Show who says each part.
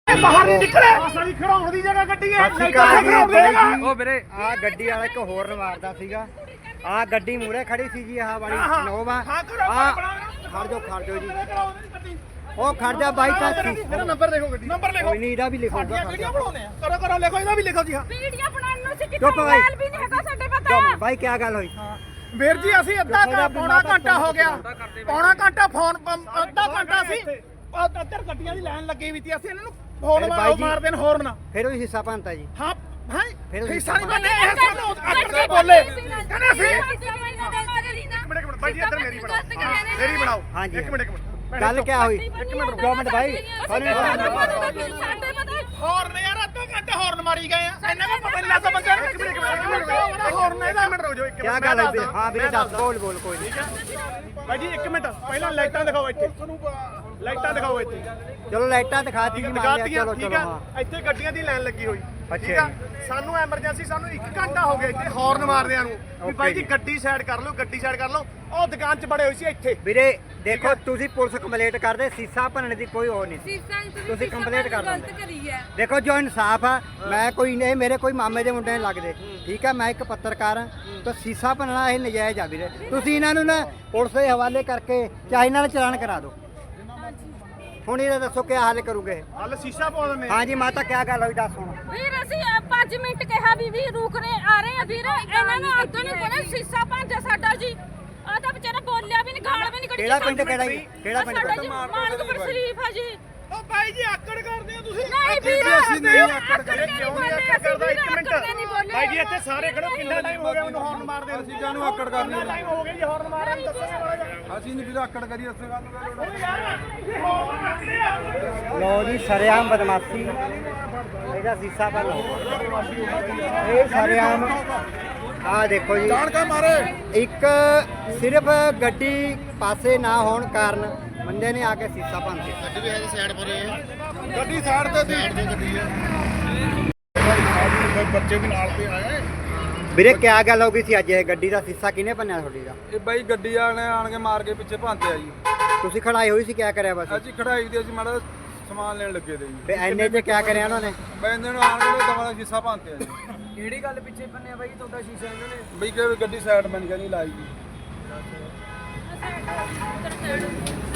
Speaker 1: ਬਾਹਰ ਨਹੀਂ ਨਿਕਲੇ ਅਸਲੀ ਖੜਾਉਣ ਦੀ ਜਗ੍ਹਾ ਗੱਡੀ ਹੈ
Speaker 2: ਉਹ ਵੀਰੇ ਆ ਗੱਡੀ ਵਾਲਾ ਇੱਕ ਹੋਰ ਮਾਰਦਾ ਸੀਗਾ ਆ ਗੱਡੀ ਮੂਰੇ ਖੜੀ ਸੀ ਜੀ ਆਹ ਵਾਲੀ ਨੋਵਾ ਆ ਖੜ ਜਾਓ ਜੀ ਉਹ ਖੜ ਜਾ ਬਾਈ ਤਾਂ
Speaker 1: ਮੇਰਾ ਨੰਬਰ ਦੇਖੋ ਗੱਡੀ ਨੰਬਰ ਲਿਖੋ
Speaker 2: ਕੋਈ ਨਹੀਂ ਇਹਦਾ ਵੀ ਲਿਖੋਗਾ
Speaker 1: ਵੀਡੀਓ ਬਣਾਉਣੇ ਆ ਕਰੋ ਲਿਖੋ ਇਹਦਾ ਵੀ ਲਿਖੋ ਜੀ ਹਾਂ
Speaker 3: ਵੀਡੀਓ ਬਣਾਉਣ ਨੂੰ ਸੀ ਕਿਤੇ ਮੋਬਾਈਲ ਵੀ ਨਹੀਂ ਹੈਗਾ ਸਾਡੇ ਪਤਾ
Speaker 2: ਬਾਈ ਕੀ ਗੱਲ ਹੋਈ
Speaker 1: ਵੀਰ ਜੀ ਅਸੀਂ ਪੌਣਾ ਘੰਟਾ ਹੋ ਗਿਆ ਪੌਣਾ ਘੰਟਾ ਫੋਨ ਅੱਧਾ ਘੰਟਾ ਸੀ ਅੱਧਰ ਗੱਡੀਆਂ ਦੀ ਲਾਈਨ ਲੱਗੀ ਵੀ ਸੀ ਅਸੀਂ ਇਹਨਾਂ ਨੂੰ ਫੋਨ ਮਾਰਦੇ ਨੇ ਹੋਰਨ
Speaker 2: ਫਿਰ ਉਹ ਹਿੱਸਾ ਭੰਨਤਾ ਜੀ
Speaker 1: ਹਾਂ ਹਾਂ
Speaker 2: ਫਿਰ
Speaker 1: ਹਿੱਸਾ ਨਹੀਂ ਬੰਨੇ ਇਹ ਸਾਨੂੰ ਅੱਕੜ ਕੇ ਬੋਲੇ ਕਹਿੰਦੇ ਅਸੀਂ
Speaker 3: ਇੱਕ
Speaker 1: ਮਿੰਟ ਬਾਈ ਜੀ ਇੱਧਰ ਮੇਰੀ ਬਣਾਓ
Speaker 2: ਹਾਂਜੀ
Speaker 1: ਇੱਕ ਮਿੰਟ
Speaker 2: ਗੱਲ ਕੀ ਹੋਈ ਇੱਕ ਮਿੰਟ 2 ਮਿੰਟ ਬਾਈ
Speaker 1: ਹੋਰਨ ਯਾਰ ਅੱਧਾ ਘੰਟਾ ਹੋਰਨ ਮਾਰੀ ਗਏ ਆ ਇਹਨਾਂ ਨੂੰ ਪਤਾ ਨਹੀਂ ਲੱਗਦਾ ਬੰਦੇ ਨੂੰ ਇੱਕ ਮਿੰਟ ਹੋਰਨ ਇਹਦਾ ਮਿੰਟ ਰੁਕ ਜਾਓ ਇੱਕ
Speaker 2: ਕੀ ਗੱਲ ਹੈ ਹਾਂ ਵੀਰੇ ਦੱਸ ਬੋਲ ਕੋਈ ਨਹੀਂ
Speaker 1: ਬਾਈ ਜੀ ਇੱਕ ਮਿੰਟ ਪਹਿਲਾਂ ਲਾਈਟਾਂ ਦਿਖਾਓ ਇੱਥੇ ਲਾਈਟਾਂ ਦਿਖਾਓ ਇੱਥੇ
Speaker 2: ਚਲੋ ਲਾਈਟਾਂ ਦਿਖਾਤੀ ਜੀ
Speaker 1: ਚਲੋ ਠੀਕ ਆ ਇੱਥੇ ਗੱਡੀਆਂ ਦੀ ਲਾਈਨ ਲੱਗੀ ਹੋਈ ਠੀਕ ਆ ਸਾਨੂੰ ਐਮਰਜੈਂਸੀ ਸਾਨੂੰ 1 ਘੰਟਾ ਹੋ ਗਿਆ ਇੱਥੇ ਹਾਰਨ ਮਾਰਦਿਆਂ ਨੂੰ ਵੀ ਬਾਈ ਜੀ ਗੱਡੀ ਸਾਈਡ ਕਰ ਲਓ ਉਹ ਦੁਕਾਨ 'ਚ ਬੜੇ ਹੋਏ ਸੀ ਇੱਥੇ
Speaker 2: ਵੀਰੇ ਦੇਖੋ ਤੁਸੀਂ ਪੁਲਿਸ ਕੰਪਲੇਂਟ ਕਰਦੇ ਸੀਸਾ ਭੰਨਣ ਦੀ ਕੋਈ ਹੋਰ ਨਹੀਂ ਤੁਸੀਂ ਕੰਪਲੇਂਟ ਕਰ ਦਿੰਦੇ ਦੇਖੋ ਜੋ ਇਨਸਾਫ ਆ ਮੈਂ ਕੋਈ ਨਹੀਂ ਮੇਰੇ ਕੋਈ ਮਾਮੇ ਦੇ ਮੁੰਡੇ ਨਹੀਂ ਲੱਗਦੇ ਠੀਕ ਆ ਮੈਂ ਇੱਕ ਪੱਤਰਕਾਰ ਹਾਂ ਤਾਂ ਸੀਸਾ ਭੰਨਣਾ ਇਹ ਨਜਾਇਜ਼ ਆ ਵੀਰੇ ਤੁਸੀਂ ਇਹਨਾਂ ਨੂੰ ਨਾ ਪੁਲਿਸ ਦੇ ਹਵਾਲੇ ਕਰਕੇ ਚਾਹੇ ਨਾਲ ਚਲਾਨ ਕਰਾ ਦਿਓ ਹੁਣ ਇਹਦਾ ਦੱਸੋ ਕੀ ਹੱਲ ਕਰੋਗੇ
Speaker 1: ਹੱਲ ਸ਼ੀਸ਼ਾ ਪਵਾ ਦਿੰਦੇ
Speaker 2: ਹਾਂਜੀ ਮਾਤਾ ਕੀ ਗੱਲ ਹੋਈ ਦੱਸ ਹੁਣ
Speaker 3: ਵੀਰ ਅਸੀਂ 5 ਮਿੰਟ ਕਿਹਾ ਵੀ ਰੁਕਨੇ ਆ ਰਹੇ ਆ ਵੀਰ ਇਹਨਾਂ ਨੂੰ ਅੱਗੇ ਨਹੀਂ ਕੋਲੇ ਸੀਸਾ ਭਾਂਜਾ ਸਾਡਾ ਜੀ ਆ ਤਾਂ ਵਿਚਾਰਾ ਬੋਲਿਆ ਵੀ ਨਹੀਂ ਗਾਲ ਵੀ ਨਹੀਂ ਕੱਢੀ
Speaker 2: ਕਿਹੜਾ ਪਿੰਡ ਕਿਹੜਾ ਪਿੰਡ
Speaker 3: ਮਾਨਕਪੁਰ ਸ਼ਰੀਫ ਆ ਜੀ
Speaker 1: ਉਹ ਬਾਈ ਜੀ ਆਕੜ ਕਰਦੇ ਹੋ ਤੁਸੀਂ
Speaker 3: ਨਹੀਂ ਵੀਰ
Speaker 1: ਅਸੀਂ ਨਹੀਂ ਆਕੜ ਕਰਦੇ ਕਿਉਂ ਨਹੀਂ ਆਕੜ ਕਰਦਾ 1 ਮਿੰਟ ਬਾਈ ਜੀ ਇੱਥੇ ਸਾਰੇ ਖੜੋ ਕਿੰਨਾ ਟਾਈਮ ਹੋ ਗਿਆ ਮੈਨੂੰ ਹਾਰਨ ਮਾਰਦੇ
Speaker 4: ਅਸੀਂ ਜਾਨੂੰ ਆਕੜ ਕਰਨੀ
Speaker 1: ਟਾਈਮ ਹੋ ਗਿਆ ਜੀ ਹਾਰਨ ਮਾਰਨ ਦੱਸੋਗੇ ਮਾੜਾ ਜਿਹਾ
Speaker 4: ਅਸੀਂ ਨਹੀਂ ਵੀਰ ਆਕੜ ਕਰੀ ਉਸੇ ਗੱਲ ਨੂੰ
Speaker 2: ਲੋ ਜੀ ਸ਼ਰੇਆਮ ਬਦਮਾਸ਼ੀ ਇਹਦਾ ਸੀਸਾ ਭੰਨ ਇਹ ਸ਼ਰੇਆਮ ਆ ਦੇਖੋ ਜੀ
Speaker 4: ਜਾਣ ਕੇ ਮਾਰੇ
Speaker 2: ਇੱਕ ਸਿਰਫ ਗੱਡੀ ਪਾਸੇ ਨਾ ਹੋਣ ਕਾਰਨ ਬੰਦੇ ਨੇ ਆ ਕੇ ਸੀਸਾ ਭੰਨ ਦਿੱਤਾ
Speaker 4: ਗੱਡੀ ਵੀ ਹੈ ਸਾਈਡ ਪਰ ਹੈ ਗੱਡੀ ਸਾਈਡ ਤੇ ਸੀ ਗੱਡੀ ਹੈ ਬੱਚੇ ਵੀ ਨਾਲ ਤੇ ਆਏ
Speaker 2: ਵੀਰੇ ਕੀ ਗੱਲ ਹੋ ਗਈ ਸੀ ਅੱਜ ਇਹ ਗੱਡੀ ਦਾ ਸੀਸਾ ਕਿਹਨੇ ਭੰਨਿਆ ਤੁਹਾਡੀ ਦਾ
Speaker 4: ਇਹ ਬਾਈ ਗੱਡੀ ਵਾਲੇ ਆਣ ਕੇ ਮਾਰ ਕੇ ਪਿੱਛੇ ਭੰਨਤੇ ਆ ਜੀ
Speaker 2: ਤੁਸੀਂ ਖੜਾਈ ਹੋਈ ਸੀ ਕੀ ਕਰਿਆ ਬਸ
Speaker 4: ਅਸੀਂ ਖੜਾਈ ਦੀ ਅਸੀਂ ਮਾੜਾ ਸਮਾਨ ਲੈਣ ਲੱਗੇ ਤੇ ਜੀ
Speaker 2: ਤੇ ਐਨੇ ਤੇ ਕੀ ਕਰਿਆ ਉਹਨਾਂ ਨੇ
Speaker 4: ਬੰਦੇ ਨੂੰ ਆਣ ਕੇ ਦਵਾ ਦਾ ਸ਼ੀਸ਼ਾ ਭੰਨਤੇ ਆ ਜੀ
Speaker 2: ਕਿਹੜੀ ਗੱਲ ਪਿੱਛੇ ਭੰਨਿਆ ਬਾਈ ਤੁਹਾਡਾ ਸ਼ੀਸ਼ਾ ਇਹਨਾਂ ਨੇ
Speaker 4: ਬਈ ਕਿ ਗੱਡੀ ਸਾਈਡ ਬਣ ਕੇ ਨਹੀਂ ਲਾਈ ਜੀ